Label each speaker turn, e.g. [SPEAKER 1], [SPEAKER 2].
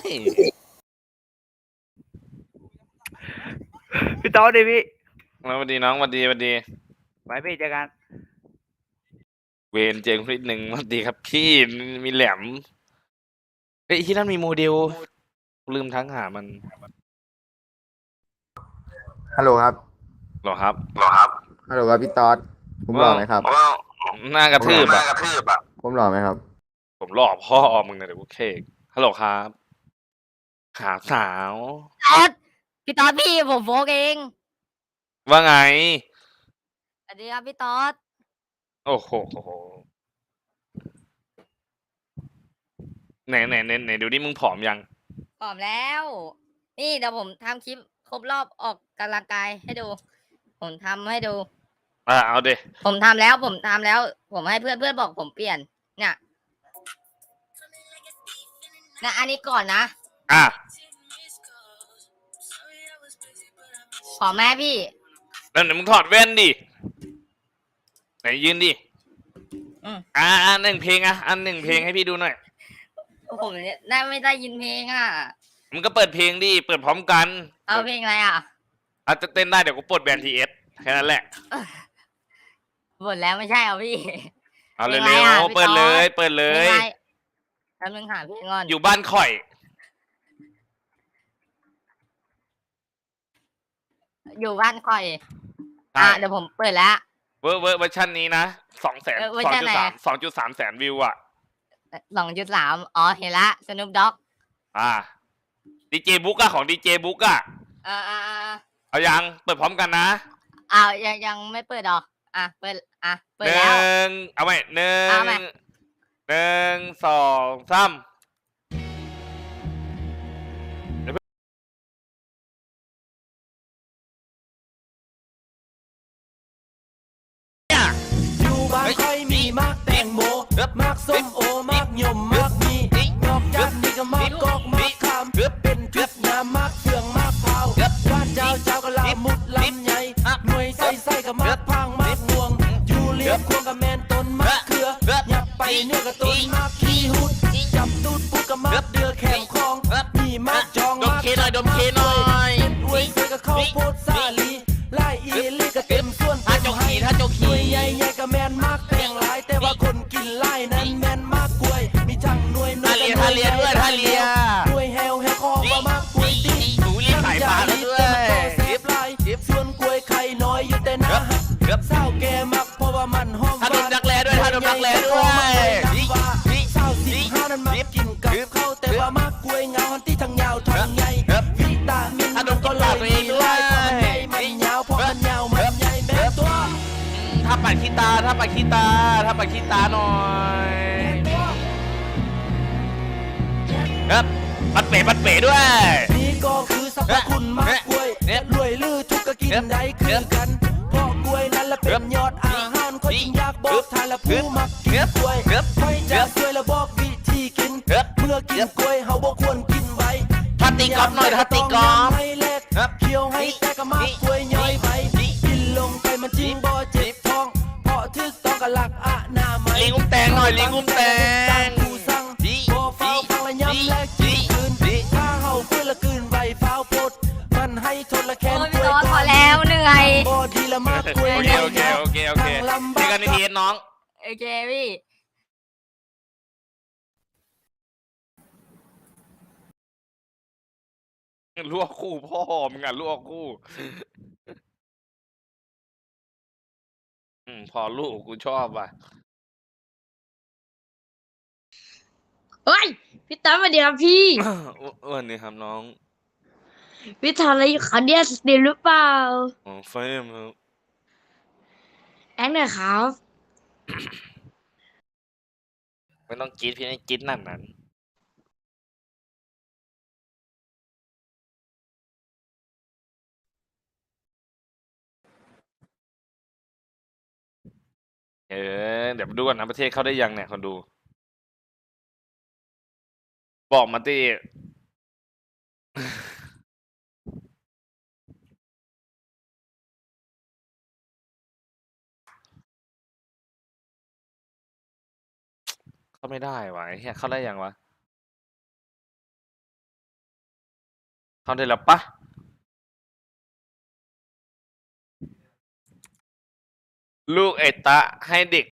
[SPEAKER 1] พี่ต๊อดดิพี่
[SPEAKER 2] สวัสดีน้องสวัสดี
[SPEAKER 1] ไปพี่เจอกัน
[SPEAKER 2] เวนเจงนิดหนึ่งสวัสดีครับพี่มีแหลมเฮ้ยที่นั่นมีโมเดลลืมทั้งหามัน
[SPEAKER 3] ฮัลโหลครับ
[SPEAKER 2] หรอครับ
[SPEAKER 3] ฮัลโหลครับพี่ต๊อดผมหล่อไหมครับ
[SPEAKER 2] หน้ากระทืบอ่ะ
[SPEAKER 3] ผมหล่อไหมครับ
[SPEAKER 2] ผมหล่อพ่อมึงนะเดี๋ยวกูเคกฮัลโหลครับขาสาว
[SPEAKER 4] พี่ต๊อดพี่ผมโฟกเอง
[SPEAKER 2] ว่าไง
[SPEAKER 4] สวัสดีครับพี่ต๊อด
[SPEAKER 2] โอ้โหไหนดูนี่มึงผอมยัง
[SPEAKER 4] พร้อมแล้ว นี่เดี๋ยวผมทำคลิปครบรอบออกกำลังกายให้ดู ผมทำให้ดู
[SPEAKER 2] เอาดิ
[SPEAKER 4] ผมทำแล้ว ผมให้เพื่อนบอกผมเปลี่ยน เนี่ยนะอันนี้ก่อนนะ
[SPEAKER 2] อ่ะ
[SPEAKER 4] ขอแม่พี่
[SPEAKER 2] แล้วไหนมึงถอดแว่นดิไหนยืนดิ หนึ่งเพลงอันหนึ่งเพลงให้พี่ดูหน่อย
[SPEAKER 4] ผมเนี่ยไม่ได้ยินเพลงอ่ะ
[SPEAKER 2] มึงก็เปิดเพลงดิเปิดพร้อมกัน
[SPEAKER 4] เอาเพลงอะไรอ่ะ
[SPEAKER 2] อาจจะเต้นได้เดี๋ยวกูปลดแบนทีเอสแค่นั้นแหละ
[SPEAKER 4] หมดแล้วไม่ใช่เหรอพี่
[SPEAKER 2] เอาเร็
[SPEAKER 4] เพลงอะไร
[SPEAKER 2] ว
[SPEAKER 4] อ่ะ
[SPEAKER 2] ๆเปิดเลย
[SPEAKER 4] เพลงอะไรแป๊บนึงหาเพลงก่อน
[SPEAKER 2] อยู่บ้านข่อย
[SPEAKER 4] อยู่บ้านคอย
[SPEAKER 2] ใช่
[SPEAKER 4] เดี๋ยวผมเปิดแล้ว
[SPEAKER 2] เวอร์ชันนี้นะ200,000
[SPEAKER 4] เวอร์ชันไหน
[SPEAKER 2] 2.3แสนวิวอ่ะ
[SPEAKER 4] 2.3อ๋อเห็นละสนุปด็อก
[SPEAKER 2] ดีเจบุ๊กของดีเจบุ๊กเอายังเปิดพร้อมกันนะ
[SPEAKER 4] ยังไม่เปิดหรอเปิด
[SPEAKER 2] หนึ่
[SPEAKER 4] แล้ว
[SPEAKER 2] งเอาใหม่หนึ่
[SPEAKER 4] เอาใหม่
[SPEAKER 2] งสองสาม
[SPEAKER 5] อยู่บ้านค่อยมีมากแตงโมมากส้มโอมากยมมากมีนอกจากนี้ก็มากกอกมากคำเป็นทุกยามมากเฟืองมากเผาว่าเจ้าก็ลามุดลำใหญ่หน่วยใส่ก็มากพังมากห่วงอยู่เลี้ยงควงกับแมนต้นมากเขือหยับไปเนื้อกับต้นมากขี้หุดจับตูดปุ๊กกับมากเดือแขมคองมีมากจองมากดมเคหน่อยอวยเสือกับข้าวโพดซาลีไล่อีลีก็เต็มส่วนถ้าจกขี่ใหญ่ๆก็แมนมากแต่งหลายแต่ว่าคนกินไล่นั้นแมนมากกล้วยมีจังหน่วยหน่วยท่าเลียหน่วยแฮวคอว่ามากกล้วยตี
[SPEAKER 2] หูรีสายฟ้าแล้วด้วย
[SPEAKER 5] เสียบลายส่วนกล้วยไข่น้อยอยู่แต่หน้าเศร้าแกมักเพราะว่ามันห้อง
[SPEAKER 2] ถ้าโดนดักแร้ด้วย
[SPEAKER 5] เศร้า15นั้นมากินกับข้าวแต่ว่ามากกล้วยเงาหันที่ทั้งยาวทั้งใหญ่วิตามินมันก็เลยมีไล่เพราะมันใหญ่มันยาวเพราะมันยาวมันใหญ่แม่ตัว
[SPEAKER 2] ถ้าปัดขี้ตาหน่อยครับปัดเป๋ด้วย
[SPEAKER 5] นี่ก็คือสรรพคุณมากกล้วยรวยลือทุกก็กินได้คือกันเพราะกล้วยนั้นละเป็นยอดอาหารคนจึงอยากบอกทานละผู้มักกินกล้วยไม่จะช่วยละบอกวิธีกินเมื่อกินกล้วยเฮาบ่ควรกินไว้
[SPEAKER 2] ถ้าตีกอล์ฟหน่อยถ้าตีกอล์ฟ
[SPEAKER 5] ให้เล็กเคี้ยวให้แต่ก็มากกล้วยย่อยไปกินลงไปมันจริงบ่เจ็บท้องเพราะทึกต้องกับหลักอนามัย
[SPEAKER 2] ลิงอุ้มแตงหน่อยลิงอุ้มแตง
[SPEAKER 5] ผู้สั่งบ่เฝ้าฟังละย้ำและกินคืนถ้าเฮาฟื้นละคืนไว้เฝ้าพดมันให้ทนละแค้น
[SPEAKER 4] โอ้ยพี่ต๊อดพอแล้วเหนื่อย
[SPEAKER 5] บ่ดีละมากกล้วย
[SPEAKER 2] โอเคนี่กันในทีน้อง
[SPEAKER 4] โอเคพี่
[SPEAKER 2] ลวกคู่พ่อมึงลวกคู่พอลูกกูชอบว่ะ
[SPEAKER 6] เฮ้ยพี่ตั้มสวัสดีครับพี่
[SPEAKER 2] วันนี้ครับน้อง
[SPEAKER 6] พี่ทำอะไรอยู่คะเนี่ยสตรีมหรือเปล่า
[SPEAKER 2] เฟมครับ
[SPEAKER 6] แอคหน่อยครับ
[SPEAKER 2] ไม่ต้องกรีดพี่ไม่กรีดนั่นเดี๋ยวมาดูก่อนนะประเทศเข้าได้ยังเนี่ยคนดู บอกมาตีเข้าไม่ได้วะไอ้เหี้ยเข้าได้ยังวะท่อนได้แล้วปะลูกไอ้ตะให้เด็ก